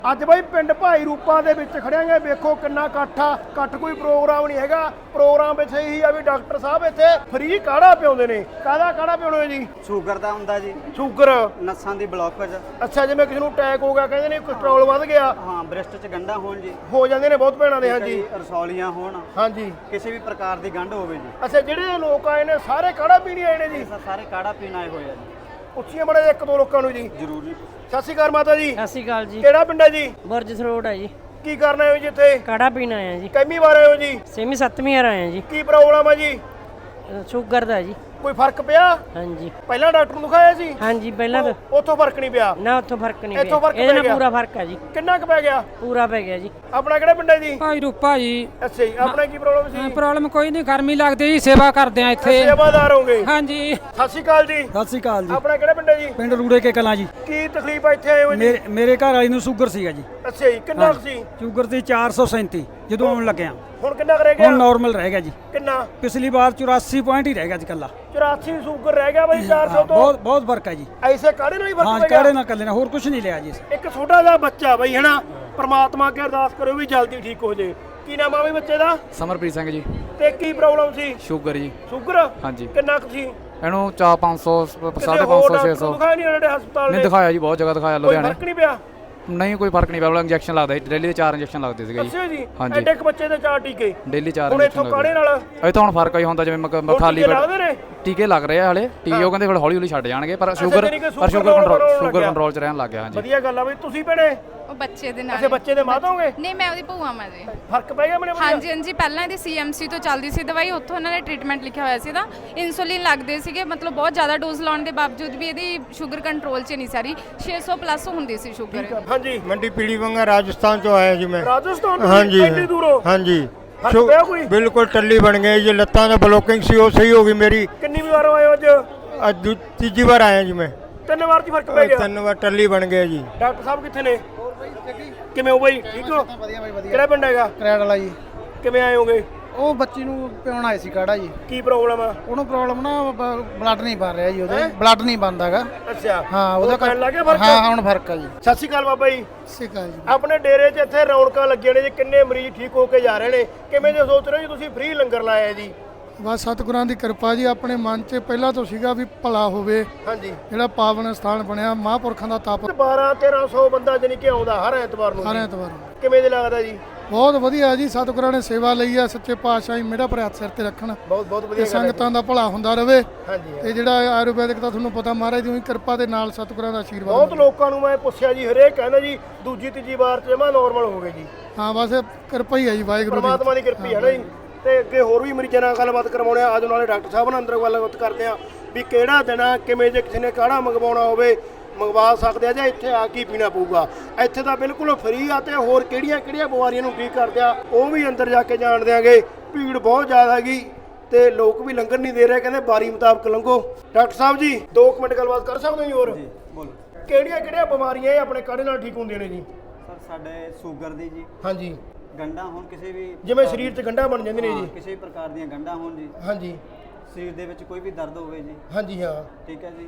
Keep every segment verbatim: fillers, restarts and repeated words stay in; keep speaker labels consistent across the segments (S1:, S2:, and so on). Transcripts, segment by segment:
S1: ਅੱਜ ਬਾਈ ਪਿੰਡ ਭਾਈ ਰੂਪਾ ਦੇ ਵਿੱਚ ਖੜਿਆਂਗੇ। ਵੇਖੋ ਕਿੰਨਾ ਇਕੱਠ ਆ। ਇਕੱਠ ਕੋਈ ਪ੍ਰੋਗਰਾਮ ਨਹੀਂ ਹੈਗਾ, ਪ੍ਰੋਗਰਾਮ ਵਿੱਚ ਇਹੀ ਆ ਵੀ ਡਾਕਟਰ ਸਾਹਿਬ ਇੱਥੇ ਫ੍ਰੀ ਕਾੜਾ ਪਿਆਉਂਦੇ ਨੇ। ਕਾਹਦਾ ਕਾੜਾ ਪਿਆਉਣਾ ਜੀ?
S2: ਸ਼ੂਗਰ ਦਾ ਹੁੰਦਾ ਜੀ,
S1: ਸ਼ੂਗਰ,
S2: ਨਸਾਂ ਦੀ ਬਲੌਕੇਜ।
S1: ਅੱਛਾ, ਜਿਵੇਂ ਕਿਸੇ ਨੂੰ ਅਟੈਕ ਹੋ ਗਿਆ, ਕਹਿੰਦੇ ਨੇ ਕੋਲੇਸਟ੍ਰੋਲ ਵੱਧ ਗਿਆ,
S2: ਹਾਂ, ਬ੍ਰੈਸਟ 'ਚ ਗੰਢਾਂ ਹੋਣ ਜੀ,
S1: ਹੋ ਜਾਂਦੇ ਨੇ ਬਹੁਤ ਭੈਣਾਂ ਦੇ। ਹਾਂਜੀ,
S2: ਰਸੌਲੀਆਂ ਹੋਣ,
S1: ਹਾਂਜੀ,
S2: ਕਿਸੇ ਵੀ ਪ੍ਰਕਾਰ ਦੀ ਗੰਢ ਹੋਵੇ ਜੀ।
S1: ਅੱਛਾ, ਜਿਹੜੇ ਲੋਕ ਆਏ ਨੇ ਸਾਰੇ ਕਾੜਾ ਪੀਣ ਆਏ ਨੇ ਜੀ?
S2: ਸਾਰੇ ਕਾੜਾ ਪੀਣ ਆਏ ਹੋਏ ਆ ਜੀ।
S1: ਉੱਚੀਆਂ ਬੜੇ ਇੱਕ ਦੋ ਲੋਕਾਂ ਨੂੰ ਜੀ।
S2: ਜ਼ਰੂਰ ਜੀ।
S1: ਸਤਿ ਸ਼੍ਰੀ ਅਕਾਲ ਮਾਤਾ ਜੀ।
S3: ਸਤਿ ਸ਼੍ਰੀ ਅਕਾਲ ਜੀ।
S1: ਕਿਹੜਾ ਪਿੰਡ ਹੈ ਜੀ?
S3: ਬੁਰਜ ਸਰੋੜ ਹੈ ਜੀ।
S1: ਕੀ ਕਰਨਾ ਹੈ ਜੀ ਇੱਥੇ?
S3: ਕਾੜਾ ਪੀਣ ਆਏ ਆ ਜੀ।
S1: ਕਿੰਨੀ ਵਾਰ ਆਏ ਹੋ ਜੀ?
S3: ਛੇਵੀਂ ਸੱਤਵੀਂ ਵਾਰ ਆਏ ਆ ਜੀ।
S1: ਕੀ ਪ੍ਰੋਬਲਮ ਹੈ ਜੀ?
S3: ਅ, ਸ਼ੂਗਰ ਦਾ ਜੀ।
S1: ਕੋਈ ਫਰਕ ਪਿਆ?
S3: ਹਾਂਜੀ
S1: ਪਹਿਲਾਂ ਡਾਕਟਰ ਨੂੰ ਦਿਖਾਇਆ ਸੀ?
S3: ਹਾਂਜੀ ਪਹਿਲਾਂ ਤਾਂ
S1: ਉੱਥੋਂ ਫਰਕ ਨਹੀਂ ਪਿਆ?
S3: ਨਾ ਉੱਥੋਂ ਫਰਕ ਨਹੀਂ
S1: ਇੱਥੋਂ
S3: ਪਿਆ,
S1: ਫਰਕ
S3: ਇਹਦੇ
S1: ਪੈ
S3: ਨਾਲ
S1: ਗਿਆ?
S3: ਪੂਰਾ ਫਰਕ ਹੈ ਜੀ।
S1: ਕਿੰਨਾ ਕੁ ਪੈ ਗਿਆ?
S3: ਪੂਰਾ ਪੈ ਗਿਆ ਜੀ।
S1: ਆਪਣਾ ਕਿਹੜਾ ਪਿੰਡ ਹੈ ਜੀ?
S4: ਭਾਈ ਰੂਪਾ ਜੀ।
S1: ਅੱਛਾ ਜੀ। ਆਪਣਾ ਕੀ ਪ੍ਰੋਬਲਮ ਸੀ?
S4: ਪ੍ਰੋਬਲਮ ਕੋਈ ਨਹੀਂ, ਗਰਮੀ ਲੱਗਦੀ ਜੀ, ਸੇਵਾ ਕਰਦੇ ਆ ਇੱਥੇ।
S1: ਸੇਵਾਦਾਰ ਹੋਗੇ?
S4: ਹਾਂਜੀ।
S1: ਸਤਿ ਸ਼੍ਰੀ ਅਕਾਲ ਜੀ।
S5: ਸਤਿ ਸ੍ਰੀ ਅਕਾਲ ਜੀ।
S1: ਆਪਣਾ ਕਿਹੜਾ ਪਿੰਡ ਹੈ ਜੀ?
S5: ਪਿੰਡ ਰੂੜੇ ਕੇ ਕਲਾਂ ਜੀ।
S1: ਕੀ ਤਕਲੀਫ ਆ ਇੱਥੇ ਆਏ ਹੋ ਜੀ?
S5: ਮੇਰੇ ਮੇਰੇ ਘਰ ਵਾਲੀ ਨੂੰ ਸ਼ੂਗਰ ਸੀਗਾ ਜੀ।
S1: ਅੱਛਾ ਜੀ। ਕਿੰਨਾ ਕੁ ਸੀ?
S5: ਸ਼ੂਗਰ ਸੀ ਚਾਰ ਸੌ ਸੈਂਤੀ ਜਦੋਂ ਆਉਣ ਲੱਗਿਆ।
S1: ਹੁਣ ਕਿੰਨਾ ਕੁ ਰਹਿ ਗਿਆ?
S5: ਹੁਣ ਨਾਰਮਲ ਰਹਿ ਗਿਆ ਜੀ।
S1: ਕਿੰਨਾ?
S5: ਪਿਛਲੀ ਵਾਰ ਚੁਰਾਸੀ ਪੁਆਇੰਟ ਹੀ ਰਹਿ ਗਿਆ ਜੀ ਕੱਲਾ।
S1: ਚੁਰਾਸੀ ਸ਼ੂਗਰ ਰਹਿ ਗਿਆ ਬਾਈ ਚਾਰ ਸੌ ਤੋਂ।
S5: ਬਹੁਤ ਬਹੁਤ ਫਰਕ ਹੈ ਜੀ।
S1: ਐਸੇ ਕਾੜੇ ਨਾਲ ਹੀ
S5: ਹਾਂ,
S1: ਫਰਕ ਪੈ
S5: ਕਾੜੇ
S1: ਗਿਆ?
S5: ਨਾਲ ਕੱਲੇ ਨਾਲ, ਹੋਰ ਕੁਝ ਨਹੀਂ ਲਿਆ ਜੀ।
S1: ਇੱਕ ਛੋਟਾ ਜਿਹਾ ਬੱਚਾ ਬਾਈ ਹਨਾ, ਪ੍ਰਮਾਤਮਾ ਅੱਗੇ ਅਰਦਾਸ ਕਰੋ ਵੀ ਜਲਦੀ ਠੀਕ ਹੋ ਜੇ। ਕੀ ਨਾਮ ਆ ਬਈ ਬੱਚੇ ਦਾ?
S6: ਸਮਰਪ੍ਰੀਤ ਸਿੰਘ ਜੀ।
S1: ਤੇ ਕੀ ਪ੍ਰੋਬਲਮ ਸੀ?
S6: ਸ਼ੂਗਰ ਜੀ।
S1: ਸ਼ੂਗਰ?
S6: ਹਾਂਜੀ।
S1: ਕਿੰਨਾ ਕੁ ਸੀ?
S6: ਇਹਨੂੰ ਚਾਰ ਪੰਜ ਸੌ
S1: ਕਿਸੇ
S6: ਸਾਢੇ
S1: ਹੋਰ
S6: ਪੰਜ ਸੌ ਛੇ
S1: ਡਾਕਟਰ
S6: ਸੌ
S1: ਨੂੰ ਦਿਖਾਇਆ ਨਹੀਂ ਉਹਨਾਂ ਦੇ ਹਸਪਤਾਲ
S6: ਨਹੀਂ
S1: ਨੇ?
S6: ਦਿਖਾਇਆ ਜੀ, ਬਹੁਤ ਜਗ੍ਹਾ ਦਿਖਾਇਆ,
S1: ਕੋਈ
S6: ਲੁਧਿਆਣੇ।
S1: ਫਰਕ ਨਹੀਂ ਪਿਆ?
S6: ਨਹੀਂ ਕੋਈ ਫਰਕ ਨਹੀਂ ਪਿਆ। ਇੰਜੈਕਸ਼ਨ ਲੱਗਦਾ ਜੀ, ਡੇਲੀ ਦੇ ਚਾਰ ਇੰਜੈਕਸ਼ਨ ਲੱਗਦੇ ਸੀਗੇ ਜੀ।
S1: ਅੱਛਾ ਜੀ।
S6: ਹਾਂਜੀ।
S1: ਐਡੇ ਇੱਕ ਬੱਚੇ ਦੇ ਚਾਰ ਟੀਕੇ?
S6: ਡੇਲੀ ਚਾਰ
S1: ਹੁਣ ਇੱਥੋਂ
S6: ਇੰਜੈਕਸ਼ਨ
S1: ਕਾੜੇ
S6: ਲੱਗਦੇ।
S1: ਨਾਲ
S6: ਇਹ ਤਾਂ ਹੁਣ ਫਰਕ ਹੀ ਹੁੰਦਾ, ਜਿਵੇਂ ਮ- ਮ-
S1: ਹੁਣ
S6: ਖਾਲੀ
S1: ਟੀਕੇ
S6: ਪੇਟ
S1: ਲੱਗਦੇ ਨੇ?
S6: ਟੀਕੇ ਲੱਗ ਰਹੇ ਆ ਹਲੇ। ਟੀਕੇ ਉਹ ਕਹਿੰਦੇ ਫਿਰ ਹੌਲੀ ਹੌਲੀ ਛੱਡ ਜਾਣਗੇ, ਪਰ
S1: ਅੱਛਾ,
S6: ਸ਼ੂਗਰ
S1: ਜਾਣੀ ਕਿ
S6: ਪਰ ਸ਼ੂਗਰ
S1: control
S6: ਕੰਟਰੋਲ
S1: ਹੋਣ
S6: ਸ਼ੂਗਰ
S1: ਲੱਗਿਆ।
S6: ਕੰਟਰੋਲ ਚ ਰਹਿਣ ਲੱਗ ਗਿਆ। ਹਾਂਜੀ।
S1: ਵਧੀਆ ਗੱਲ ਆ ਬਈ। ਤੁਸੀਂ ਭੈਣੇ?
S7: ਉਹ ਬੱਚੇ ਦੇ ਨਾਲ।
S1: ਅੱਛਾ, ਬੱਚੇ ਦੇ ਮਾਤਾ ਹੋਗੇ?
S7: ਨਹੀਂ, ਮੈਂ ਉਹਦੀ ਭੂਆ ਮਾਂ ਜੀ।
S1: ਫਰਕ ਪੈ ਗਿਆ ਮੈਨੂੰ?
S7: ਹਾਂਜੀ ਹਾਂਜੀ। ਪਹਿਲਾਂ ਇਹਦੀ ਸੀਐਮਸੀ ਤੋਂ ਚੱਲਦੀ ਸੀ ਦਵਾਈ, ਉੱਥੋਂ ਇਹਨਾਂ ਨੇ ਟ੍ਰੀਟਮੈਂਟ ਲਿਖਿਆ ਹੋਇਆ ਸੀ। ਤਾਂ ਇਨਸੂਲਿਨ ਲੱਗਦੇ ਸੀਗੇ, ਮਤਲਬ ਬਹੁਤ ਜ਼ਿਆਦਾ ਡੋਜ਼ ਲਾਉਣ ਦੇ ਬਾਵਜੂਦ ਵੀ ਇਹਦੀ ਸ਼ੂਗਰ ਕੰਟਰੋਲ 'ਚ ਨਹੀਂ ਸਾਰੀ ਛੇ ਸੌ ਪਲੱਸ ਹੁੰਦੀ ਸੀ ਸ਼ੂਗਰ।
S1: ਹਾਂਜੀ।
S8: मंडी पीली बंगा राजस्थान चो आया जी मैं।
S1: ਰਾਜਸਥਾਨ ਤੋਂ?
S8: हाँ जी
S1: ਇੰਨੀ ਦੂਰੋਂ?
S8: हाँ जी।
S1: फर्क
S8: शु-
S1: पिया कोई?
S8: बिल्कुल टल्ली बन गई जी, लत्तां दा ब्लॉकिंग सी वो सही होगी मेरी।
S1: ਕਿੰਨੀ ਵਾਰ ਆਏ ਹੋ ਅੱਜ?
S8: आज दू- तीजी बार आया जी मैं।
S1: ਤਿੰਨ ਵਾਰ ਦੀ ਫਰਕ ਪੈ ਗਿਆ?
S8: तीन बार टल्ली बन गया जी।
S1: ਡਾਕਟਰ ਸਾਹਿਬ ਕਿੱਥੇ ਨੇ? ਕਿਵੇਂ ਹੋ ਬਾਈ? ਠੀਕ ਹੋ? ਕਿਹੜਾ ਪਿੰਡ ਹੈਗਾ?
S9: ਕਰੈਡ ਵਾਲਾ ਜੀ।
S1: ਕਿਵੇਂ ਆਏ ਹੋਗੇ?
S9: ਉਹ ਬੱਚੀ ਨੂੰ ਪਿਉਣ ਆਏ ਸੀ ਕਾੜਾ ਜੀ।
S1: ਕੀ ਪ੍ਰੋਬਲਮ ਆ?
S9: ਉਹਨੂੰ ਪ੍ਰੋਬਲਮ ਨਾ ਬਲੱਡ ਨਹੀਂ ਬਣ ਰਿਹਾ ਜੀ, ਉਹਦੇ ਬਲੱਡ ਨਹੀਂ ਬਣਦਾਗਾ।
S1: ਅੱਛਾ।
S9: ਹਾਂ, ਉਹਦਾ
S1: ਪੈਣ ਲੱਗ ਗਿਆ ਫਰਕ?
S9: ਹਾਂ, ਹੁਣ ਫਰਕ ਆ ਜੀ।
S1: ਸਤਿ ਸ਼੍ਰੀ ਅਕਾਲ ਬਾਬਾ ਜੀ।
S9: ਸਿਕਾ ਜੀ।
S1: ਆਪਣੇ ਡੇਰੇ 'ਚ ਇੱਥੇ ਰੌਣਕਾਂ ਲੱਗੀਆਂ ਨੇ ਜੀ, ਕਿੰਨੇ ਮਰੀਜ਼ ਠੀਕ ਹੋ ਕੇ ਜਾ ਰਹੇ ਨੇ। ਕਿਵੇਂ ਜੇ ਸੋਚ ਰਹੇ ਹੋ ਜੀ ਤੁਸੀਂ ਫ੍ਰੀ ਲੰਗਰ ਲਾਇਆ ਜੀ?
S10: ਬਸ ਸਤਿਗੁਰਾਂ ਦੀ ਕਿਰਪਾ ਜੀ। ਆਪਣੇ ਮਨ 'ਚ ਪਹਿਲਾਂ ਤੋਂ ਸੀਗਾ ਵੀ ਭਲਾ ਹੋਵੇ,
S1: ਹਾਂਜੀ।
S10: ਜਿਹੜਾ ਪਾਵਨ ਸਥਾਨ ਬਣਿਆ ਮਹਾਂਪੁਰਖਾਂ ਦਾ ਤਪ।
S1: ਬਾਰਾਂ ਤੇਰਾਂ ਸੌ ਬੰਦਾ ਜਾਨੀ ਕਿ ਆਉਂਦਾ ਹਰ ਐਤਵਾਰ ਨੂੰ
S10: ਹਰ
S1: ਜੀ।
S10: ਐਤਵਾਰ
S1: ਕਿਵੇਂ ਜੇ ਲੱਗਦਾ ਜੀ?
S10: ਬਹੁਤ ਵਧੀਆ ਜੀ। ਸਤਿਗੁਰਾਂ ਨੇ ਸੇਵਾ ਲਈ ਆ, ਸੱਚੇ ਪਾਤਸ਼ਾਹ ਜੀ ਮੇਰਾ ਭਰਾ ਸਿਰ ਤੇ ਰੱਖਣ
S1: ਬਹੁਤ ਬਹੁਤ
S10: ਤੇ
S1: ਵਧੀਆ ਗੱਲ ਹੈ ਜੀ।
S10: ਸੰਗਤਾਂ ਦਾ ਭਲਾ ਹੁੰਦਾ ਰਵੇ।
S1: ਹਾਂਜੀ।
S10: ਤੇ ਜਿਹੜਾ ਆਯੁਰਵੈਦਿਕ ਦਾ ਤੁਹਾਨੂੰ ਪਤਾ ਮਹਾਰਾਜ ਦੀ ਕਿਰਪਾ ਦੇ ਨਾਲ ਸਤਿਗੁਰਾਂ ਦਾ ਆਸ਼ੀਰਵਾਦ
S1: ਬਹੁਤ
S10: ਮਿਲਿਆ।
S1: ਲੋਕਾਂ ਨੂੰ ਮੈਂ ਪੁੱਛਿਆ ਜੀ, ਹਰੇਕ ਕਹਿੰਦਾ ਜੀ ਦੂਜੀ ਤੀਜੀ ਵਾਰ 'ਚ ਜਮਾ ਨਾਰਮਲ ਹੋ ਗਏ ਜੀ।
S10: ਹਾਂ, ਬਸ ਇਹ ਕਿਰਪਾ ਹੀ ਹੈ ਜੀ ਵਾਹਿਗੁਰੂ ਦੀ।
S1: ਪਰਮਾਤਮਾ ਦੀ ਕਿਰਪਾ ਹੈ ਨਾ ਜੀ। ਤੇ ਅੱਗੇ ਹੋਰ ਵੀ ਮਰੀਜ਼ਾਂ ਨਾਲ ਗੱਲਬਾਤ ਕਰਵਾਉਣੇ ਆ। ਅੱਜ ਨਾਲੇ ਡਾਕਟਰ ਸਾਹਿਬ ਨਾਲ ਅੰਦਰ ਗੱਲਬਾਤ ਕਰਦੇ ਆ ਵੀ ਕਿਹੜਾ ਦਿਨ ਆ, ਕਿਵੇਂ ਜੇ ਕਿਸੇ ਨੇ ਕਾੜਾ ਮੰਗਵਾਉਣਾ ਹੋਵੇ ਮੰਗਵਾ ਸਕਦੇ ਆ ਜਾਂ ਇੱਥੇ ਆ ਕੀ ਪੀਣਾ ਪਊਗਾ। ਇੱਥੇ ਤਾਂ ਬਿਲਕੁਲ ਫ੍ਰੀ ਆ। ਤੇ ਹੋਰ ਕਿਹੜੀਆਂ ਕਿਹੜੀਆਂ ਬਿਮਾਰੀਆਂ ਨੂੰ ਠੀਕ ਕਰਦੇ ਆ ਉਹ ਵੀ ਅੰਦਰ ਜਾ ਕੇ ਜਾਣ ਦਿਆਂਗੇ। ਭੀੜ ਬਹੁਤ ਜ਼ਿਆਦਾ ਹੈਗੀ ਤੇ ਲੋਕ ਵੀ ਲੰਗਰ ਨਹੀਂ ਦੇ ਰਹੇ, ਕਹਿੰਦੇ ਬਾਰੀ ਮੁਤਾਬਕ ਲੰਘੋ। ਡਾਕਟਰ ਸਾਹਿਬ ਜੀ ਦੋ ਕੁ ਮਿੰਟ ਗੱਲਬਾਤ ਕਰ ਸਕਦੇ ਹੋ ਜੀ? ਹੋਰ
S2: ਜੀ ਬੋਲੋ।
S1: ਕਿਹੜੀਆਂ ਕਿਹੜੀਆਂ ਬਿਮਾਰੀਆਂ ਇਹ ਆਪਣੇ ਕਾੜੇ ਨਾਲ ਠੀਕ ਹੁੰਦੀਆਂ ਨੇ ਜੀ?
S2: ਸਰ ਸਾਡੇ ਸ਼ੂਗਰ ਦੀ ਜੀ,
S1: ਹਾਂਜੀ।
S2: ਗੰਢਾਂ ਹੋਣ ਕਿਸੇ ਵੀ
S1: ਜਿਵੇਂ ਸਰੀਰ 'ਚ ਗੰਢਾਂ ਬਣ ਜਾਂਦੀਆਂ ਨੇ
S2: ਹਾਂ,
S1: ਜੀ?
S2: ਕਿਸੇ ਵੀ ਪ੍ਰਕਾਰ ਦੀਆਂ ਗੰਢਾਂ ਹੋਣ ਜੀ,
S1: ਹਾਂਜੀ
S2: ਸਰੀਰ ਦੇ ਵਿੱਚ ਕੋਈ ਵੀ ਦਰਦ ਹੋਵੇ ਜੀ,
S1: ਹਾਂਜੀ। ਹਾਂ।
S2: ਠੀਕ ਹੈ ਜੀ।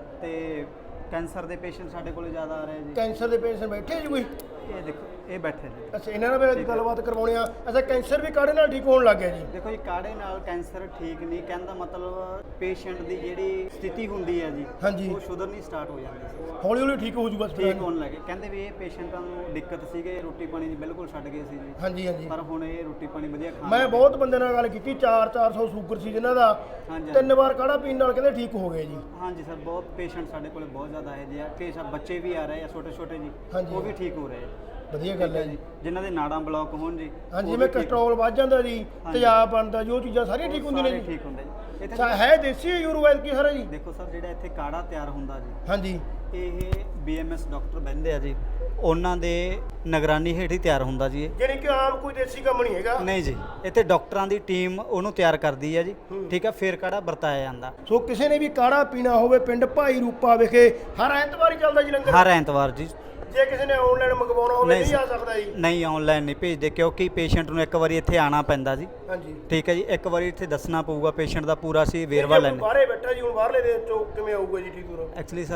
S2: ਤੇ ਕੈਂਸਰ ਦੇ ਪੇਸ਼ੈਂਟ ਸਾਡੇ ਕੋਲ ਜ਼ਿਆਦਾ ਆ ਰਹੇ ਜੀ।
S1: ਕੈਂਸਰ ਦੇ ਪੇਸ਼ੈਂਟ ਬੈਠੇ ਜੀ ਕੋਈ?
S2: ਇਹ ਦੇਖੋ ਇਹ ਬੈਠੇ ਜੀ।
S1: ਅੱਛਾ, ਇਹਨਾਂ ਨਾਲ ਵੀ ਅੱਜ ਗੱਲਬਾਤ ਕਰਵਾਉਣੀ ਆ। ਅੱਛਾ, ਕੈਂਸਰ ਵੀ ਕਾੜੇ ਨਾਲ ਠੀਕ ਹੋਣ ਲੱਗ ਗਿਆ ਜੀ?
S2: ਦੇਖੋ ਜੀ, ਕਾੜੇ ਨਾਲ ਕੈਂਸਰ ਠੀਕ ਨਹੀਂ ਕਹਿਣ ਦਾ ਮਤਲਬ ਪੇਸ਼ੈਂਟ ਦੀ ਜਿਹੜੀ ਸਥਿਤੀ ਹੁੰਦੀ ਹੈ ਜੀ,
S1: ਹਾਂਜੀ।
S2: ਉਹ ਸੁਧਰਨੀ ਸਟਾਰਟ ਹੋ ਜਾਂਦੀ ਸੀ,
S1: ਹੌਲੀ ਹੌਲੀ ਠੀਕ ਹੋ ਜੂ ਬਸ ਫਿਰ?
S2: ਠੀਕ ਹੋਣ ਲੱਗੇ। ਕਹਿੰਦੇ ਵੀ ਇਹ ਪੇਸ਼ੈਂਟਾਂ ਨੂੰ ਦਿੱਕਤ ਸੀਗੇ, ਰੋਟੀ ਪਾਣੀ ਦੀ ਬਿਲਕੁਲ ਛੱਡ ਗਏ ਸੀ ਜੀ।
S1: ਹਾਂਜੀ ਹਾਂਜੀ।
S2: ਪਰ ਹੁਣ ਇਹ ਰੋਟੀ ਪਾਣੀ ਵਧੀਆ ਖਾਣ
S1: ਮੈਂ ਬਹੁਤ ਬੰਦੇ ਨਾਲ ਗੱਲ ਕੀਤੀ, ਚਾਰ ਚਾਰ ਸੌ ਸ਼ੂਗਰ ਸੀ ਜਿਨ੍ਹਾਂ ਦਾ,
S2: ਹਾਂਜੀ
S1: ਤਿੰਨ ਵਾਰ ਕਾੜਾ ਪੀਣ ਨਾਲ ਕਹਿੰਦੇ ਠੀਕ ਹੋ ਗਏ ਜੀ।
S2: ਹਾਂਜੀ ਸਰ, ਬਹੁਤ ਪੇਸ਼ੈਂਟ ਸਾਡੇ ਕੋਲ ਬਹੁਤ ਜ਼ਿਆਦਾ ਹੈ ਜੀ। ਕਿ ਸਭ ਬੱਚੇ ਵੀ ਆ ਰਹੇ ਆ ਛੋਟੇ ਛੋਟੇ ਜੀ,
S1: ਹਾਂਜੀ।
S2: ਉਹ ਵੀ ਠੀਕ ਹੋ ਰਹੇ ਆ।
S1: ਵਧੀਆ ਗੱਲ ਹੈ ਜੀ।
S2: ਜਿਨ੍ਹਾਂ ਦੇ ਨਾੜਾਂ ਬਲੌਕ ਹੋਣ ਜੀ,
S1: ਹਾਂਜੀ,
S2: ਉਹ
S1: ਜਿਵੇਂ
S2: ਵੀ ਠੀਕ-
S1: ਕੋਲੇਸਟ੍ਰੋਲ ਵੱਧ ਜਾਂਦਾ ਜੀ,
S2: ਹਾਂਜੀ।
S1: ਤੇਜ਼ਾਬ ਬਣਦਾ ਜੀ, ਉਹ ਚੀਜ਼ਾਂ ਸਾਰੀਆਂ ਠੀਕ ਹੁੰਦੀਆਂ ਨੇ
S2: ਸਾਰੇ
S1: ਜੀ?
S2: ਠੀਕ ਹੁੰਦੇ ਜੀ। ਇੱਥੇ
S1: ਅੱਛਾ, ਹੈ ਦੇਸੀ ਆਯੁਰਵੈਦ ਕੀ ਸਾਰਾ ਜੀ?
S2: ਦੇਖੋ ਸਰ, ਜਿਹੜਾ ਇੱਥੇ ਕਾੜਾ ਤਿਆਰ ਹੁੰਦਾ ਜੀ,
S1: ਹਾਂਜੀ।
S2: ਇਹ ਬੀਐਮਐਸ ਡਾਕਟਰ ਬਹਿੰਦੇ ਆ ਜੀ, ਉਹਨਾਂ ਦੇ ਨਿਗਰਾਨੀ ਹੇਠ ਹੀ ਤਿਆਰ ਹੁੰਦਾ ਜੀ ਇਹ।
S1: ਜਾਣੀ ਕਿ ਆਮ ਕੋਈ ਦੇਸੀ ਕੰਮ ਨਹੀਂ ਹੈਗਾ?
S2: ਨਹੀਂ ਜੀ, ਇੱਥੇ ਡਾਕਟਰਾਂ ਦੀ ਟੀਮ ਉਹਨੂੰ ਤਿਆਰ ਕਰਦੀ ਹੈ ਜੀ, ਠੀਕ ਹੈ। ਫਿਰ ਕਾੜਾ ਵਰਤਾਇਆ ਜਾਂਦਾ।
S1: ਸੋ ਕਿਸੇ ਨੇ ਵੀ ਕਾੜਾ ਪੀਣਾ ਹੋਵੇ ਪਿੰਡ ਭਾਈ ਰੂਪਾ ਵਿਖੇ ਹਰ ਐਤਵਾਰ ਹੀ ਚੱਲਦਾ ਜੀ ਲੰਗਰ?
S2: ਹਰ ਐਤਵਾਰ ਜੀ।
S1: ਜੇ ਕਿਸੇ ਨੇ ਆਨਲਾਈਨ ਮੰਗਵਾਉਣਾ ਹੋਵੇ ਨਹੀਂ ਆ ਸਕਦਾ ਜੀ?
S2: ਨਹੀਂ, ਆਨਲਾਈਨ ਨਹੀਂ ਭੇਜਦੇ, ਕਿਉਂਕਿ ਪੇਸ਼ੈਂਟ ਨੂੰ ਇੱਕ ਵਾਰੀ ਇੱਥੇ ਆਣਾ ਪੈਂਦਾ ਜੀ,
S1: ਹਾਂਜੀ।
S2: ਠੀਕ ਹੈ ਜੀ। ਇੱਕ ਵਾਰੀ ਇੱਥੇ ਦੱਸਣਾ ਪਊਗਾ ਪੇਸ਼ੈਂਟ ਦਾ ਪੂਰਾ, ਅਸੀਂ ਵੇਰਵਾ ਲੈਣਾ।
S1: ਬਾਹਰੇ ਬੈਠਾ ਜੀ, ਹੁਣ ਬਾਹਰਲੇ ਦੇ ਚੋਂ ਕਿਵੇਂ ਆਊਗਾ ਜੀ ਠੀਕ ਹੋ?
S2: ਐਕਚੁਅਲੀ ਸਰ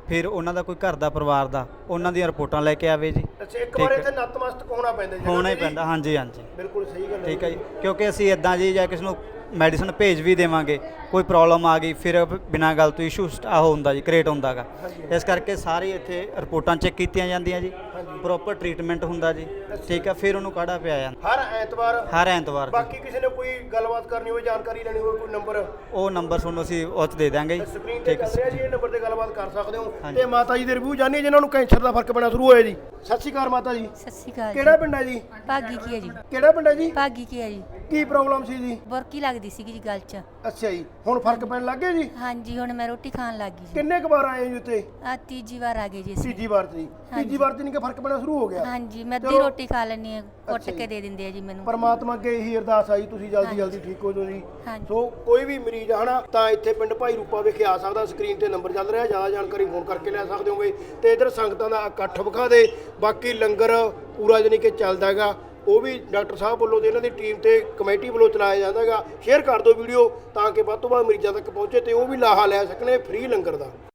S2: ਫਿਰ ਉਹਨਾਂ ਦਾ ਕੋਈ ਘਰ ਦਾ ਪਰਿਵਾਰ ਦਾ ਉਹਨਾਂ ਦੀਆਂ ਰਿਪੋਰਟਾਂ ਲੈ ਕੇ ਆਵੇ ਜੀ।
S1: ਅੱਛਾ ਇੱਕ ਵਾਰ ਇੱਥੇ ਨਤਮਸਤਕ ਹੋਣਾ ਪੈਂਦਾ ਜੀ
S2: ਹੋਣਾ ਹੀ ਪੈਂਦਾ, ਹਾਂਜੀ ਹਾਂਜੀ
S1: ਬਿਲਕੁਲ ਸਹੀ ਗੱਲ ਹੈ
S2: ਠੀਕ ਹੈ ਜੀ। ਕਿਉਂਕਿ ਅਸੀਂ ਇਦਾਂ ਜੀ ਜਾਂ ਕਿਸੇ ਨੂੰ ਮੈਡੀਸਨ ਭੇਜ ਵੀ ਦੇਵਾਂਗੇ, ਕੋਈ ਪ੍ਰੋਬਲਮ ਆ ਗਈ ਫਿਰ ਬਿਨਾਂ ਗੱਲ ਤੋਂ ਇਸ਼ੂ ਆਹ ਹੁੰਦਾ ਜੀ ਕ੍ਰੀਏਟ ਹੁੰਦਾ ਗਾ। ਇਸ ਕਰਕੇ ਸਾਰੇ ਇੱਥੇ ਰਿਪੋਰਟਾਂ ਚੈੱਕ ਕੀਤੀਆਂ ਜਾਂਦੀਆਂ ਜੀ, ਪ੍ਰੋਪਰ ਟ੍ਰੀਟਮੈਂਟ ਹੁੰਦਾ ਜੀ, ਠੀਕ ਹੈ। ਫਿਰ ਉਹਨੂੰ ਕਾੜਾ ਪਿਆ ਜਾਂਦਾ
S1: ਹਰ ਐਤਵਾਰ
S2: ਹਰ ਐਤਵਾਰ ਜੀ।
S1: ਬਾਕੀ ਕਿਸੇ ਨੇ ਕੋਈ ਗੱਲਬਾਤ ਕਰਨੀ ਹੋਵੇ, ਜਾਣਕਾਰੀ ਲੈਣੀ ਹੋਵੇ, ਕੋਈ ਨੰਬਰ
S2: ਉਹ ਨੰਬਰ ਤੁਹਾਨੂੰ ਅਸੀਂ ਉਹ 'ਚ ਦੇ ਦਾਂਗੇ ਜੀ,
S1: ਸਕਰੀਨ ਤੇ
S2: ਠੀਕ
S1: ਚੱਲ ਰਿਹਾ
S2: ਹੈ।
S1: ਜੀ, ਇਹ ਨੰਬਰ ਤੇ ਗੱਲਬਾਤ ਕਰ ਸਕਦੇ ਹੋ।
S2: ਹਾਂਜੀ।
S1: ਤੇ ਮਾਤਾ ਜੀ ਦੇ ਰਿਵਿਊ ਜਾਣੀਏ ਜਿਨ੍ਹਾਂ ਨੂੰ ਕੈਂਸਰ ਦਾ ਫਰਕ ਪੈਣਾ ਸ਼ੁਰੂ ਹੋਇਆ ਜੀ। ਸਤਿ ਸ਼੍ਰੀ ਅਕਾਲ ਮਾਤਾ ਜੀ।
S11: ਸਤਿ ਸ਼੍ਰੀ ਅਕਾਲ
S1: ਕਿਹੜਾ ਪਿੰਡ ਹੈ ਜੀ?
S11: ਭਾਗੀ ਕੀ ਹੈ ਜੀ?
S1: ਕਿਹੜਾ ਪਿੰਡ ਹੈ ਜੀ?
S11: ਭਾਗੀ ਕੀ ਹੈ ਜੀ?
S1: ਕੀ ਪ੍ਰੋਬਲਮ ਸੀ ਜੀ?
S11: ਬੁਰਕੀ ਲੱਗਦੀ ਸੀਗੀ ਜੀ ਗਲ 'ਚ।
S1: ਅੱਛਾ ਜੀ, ਹੁਣ ਫਰਕ ਪੈਣ ਲੱਗ ਗਿਆ ਜੀ?
S11: ਹਾਂਜੀ ਹੁਣ ਮੈਂ ਰੋਟੀ ਖਾਣ ਲੱਗ ਗਈ ਜੀ।
S1: ਕਿੰਨੇ ਕੁ ਵਾਰ ਆਏ ਜੀ ਉੱਤੇ?
S11: ਆ ਤੀਜੀ ਵਾਰ ਆ ਗਏ ਜੀ ਅਸੀਂ।
S1: ਤੀਜੀ ਵਾਰ ਤੇ ਜੀ? ਤੀਜੀ ਵਾਰ ਤੇ ਨਹੀਂ ਕਿ ਫਰਕ ਪੈਣਾ ਸ਼ੁਰੂ ਹੋ ਗਿਆ?
S11: ਹਾਂਜੀ ਮੈਂ ਅੱਧੀ
S1: ਚਲੋ।
S11: ਰੋਟੀ ਖਾ ਲੈਣੀ ਹੈ, ਕੁੱਟ
S1: ਅੱਛਾ
S11: ਕੇ
S1: ਜੀ।
S11: ਦੇ ਦਿੰਦੇ ਆ ਜੀ ਮੈਨੂੰ।
S1: ਪਰਮਾਤਮਾ ਅੱਗੇ ਇਹੀ ਅਰਦਾਸ ਆਈ ਤੁਸੀਂ ਜਲਦੀ
S11: ਹਾਂਜੀ।
S1: ਜਲਦੀ ਠੀਕ ਹੋ ਜਾਓ ਜੀ।
S11: ਹਾਂਜੀ।
S1: ਸੋ ਕੋਈ ਵੀ ਮਰੀਜ਼ ਆ ਹਨਾ ਤਾਂ ਇੱਥੇ ਪਿੰਡ ਭਾਈ ਰੂਪਾ ਵਿਖੇ ਆ ਸਕਦਾ। ਸਕਰੀਨ ਤੇ ਨੰਬਰ ਚੱਲ ਰਿਹਾ, ਜ਼ਿਆਦਾ ਜਾਣਕਾਰੀ ਫੋਨ ਕਰਕੇ ਲੈ ਸਕਦੇ ਹੋਗੇ। ਤੇ ਇਧਰ ਸੰਗਤਾਂ ਦਾ ਇਕੱਠ ਵਿਖਾ ਦੇ। ਬਾਕੀ ਲੰਗਰ ਪੂਰਾ ਜਾਣੀ ਕਿ ਚੱਲਦਾ ਹੈਗਾ, ਉਹ ਵੀ ਡਾਕਟਰ ਸਾਹਿਬ ਵੱਲੋਂ ਤੇ ਇਹਨਾਂ ਦੀ ਟੀਮ ਤੇ ਕਮੇਟੀ ਵੱਲੋਂ ਚਲਾਇਆ ਜਾਂਦਾ ਹੈਗਾ। ਸ਼ੇਅਰ ਕਰ ਦਿਓ ਵੀਡੀਓ ਤਾਂ ਕਿ ਵੱਧ ਤੋਂ ਵੱਧ ਮਰੀਜ਼ਾਂ ਤੱਕ ਪਹੁੰਚੇ ਤੇ ਉਹ ਵੀ ਲਾਹਾ ਲੈ ਸਕਣ ਫ੍ਰੀ ਲੰਗਰ ਦਾ।